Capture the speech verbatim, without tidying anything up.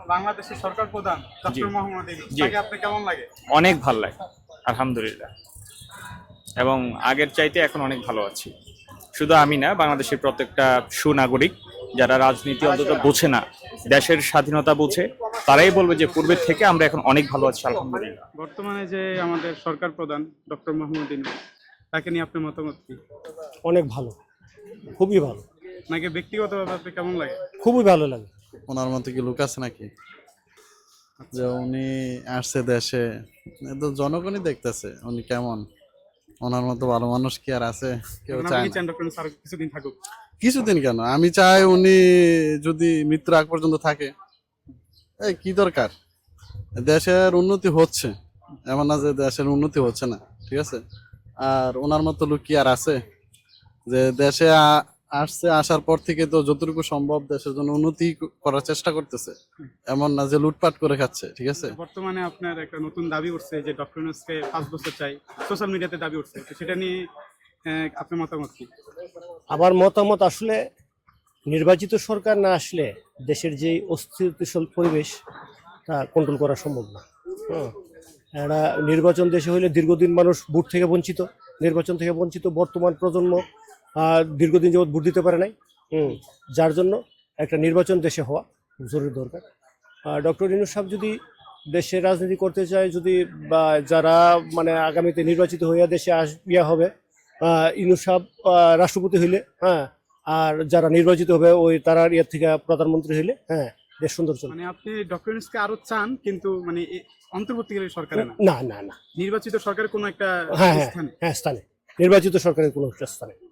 বাংলাদেশের সরকার প্রধান ডক্টর মোহাম্মদ ইউনূস, তাকে আপনি কেমন লাগে? অনেক ভালো লাগে, আলহামদুলিল্লাহ। এবং আগের চাইতে এখন অনেক ভালো আছি। শুধু আমি না, বাংলাদেশের প্রত্যেকটা সুনাগরিক যারা রাজনীতি অন্তত বোঝে না, দেশের স্বাধীনতা বোঝে, তারাই বলবে যে পূর্বের থেকে আমরা এখন অনেক ভালো আছি, আলহামদুলিল্লাহ। বর্তমানে যে আমাদের সরকার প্রধান ডক্টর মোহাম্মদ ইউনূস, তাকে নিয়ে আপনার মতামত কি? অনেক ভালো, খুবই ভালো। নাকি ব্যক্তিগতভাবে আপনি কেমন লাগে? খুবই ভালো লাগে। ওনার মতো কি লোক আছে নাকি যে উনি আসছে দেশে? এ তো জনগণই দেখতেছে উনি কেমন। ওনার মতো ভালো মানুষ কি আর আছে? কেউ এখন চায় আপনি না। চান ডক্টর ইউনূস আরো কিছুদিন থাকুক? কিছুদিন কেন, আমি চাই উনি যদি মৃত্যুর আগ পর্যন্ত থাকে। এই কি দরকার? দেশের উন্নতি হচ্ছে, এমন না যে দেশের উন্নতি হচ্ছে না, ঠিক আছে? আর ওনার মতো লোক কি আর আছে যে দেশে আ- আসছে, আসার পর থেকে তো যতটুকু সম্ভব দেশের জন্য উন্নতি ক- করার চেষ্টা করতেছে, এমন না যে লুটপাট করে খাচ্ছে, ঠিক আছে? বর্তমানে আপনার একটা নতুন দাবি উঠছে যে ডক্টর ইউনূসকে পাঁচ বছর চাই, সোশ্যাল মিডিয়াতে দাবি উঠছে, তো সেটা নিয়ে আহ, আপনার মতামত কি? আমার মতামত, আসলে নির্বাচিত সরকার না আসলে দেশের যে অস্থিতিশীল পরিবেশ তা কন্ট্রোল করা সম্ভব না। হ্যাঁ, একটা নির্বাচন দেশে হলে দীর্ঘদিন মানুষ ভোট থেকে বঞ্চিত, নির্বাচন থেকে বঞ্চিত। বর্তমান প্রজন্ম আহ, দীর্ঘদিন যাবৎ ভোট দিতে পারে নাই। হুম, যার জন্য একটা নির্বাচন দেশে হওয়া জরুরি দরকার। ডক্টর ইউনূস সাহেব যদি দেশের রাজনীতি করতে চায়, যদি বা যারা মানে আগামীতে নির্বাচিত হইয়া দেশে আস ইয়া হবে, আহ, ইউনূস সাহেব আহ, রাষ্ট্রপতি হইলে, হ্যাঁ, আর যারা নির্বাচিত হবে ওই তারা ইয়ার থেকে প্রধানমন্ত্রী হইলে, হ্যাঁ, দেশ সুন্দর চলবে। মানে আপনি ডক্টর ইউনূসকে আরো চান, কিন্তু মানে এ- অন্তর্বর্তীকালীন সরকারে না, না না না, নির্বাচিত সরকারের কোনো একটা হ্যাঁ হ্যাঁ স্থানে। হ্যাঁ, স্থানে, নির্বাচিত সরকারের কোনো একটা স্থানে।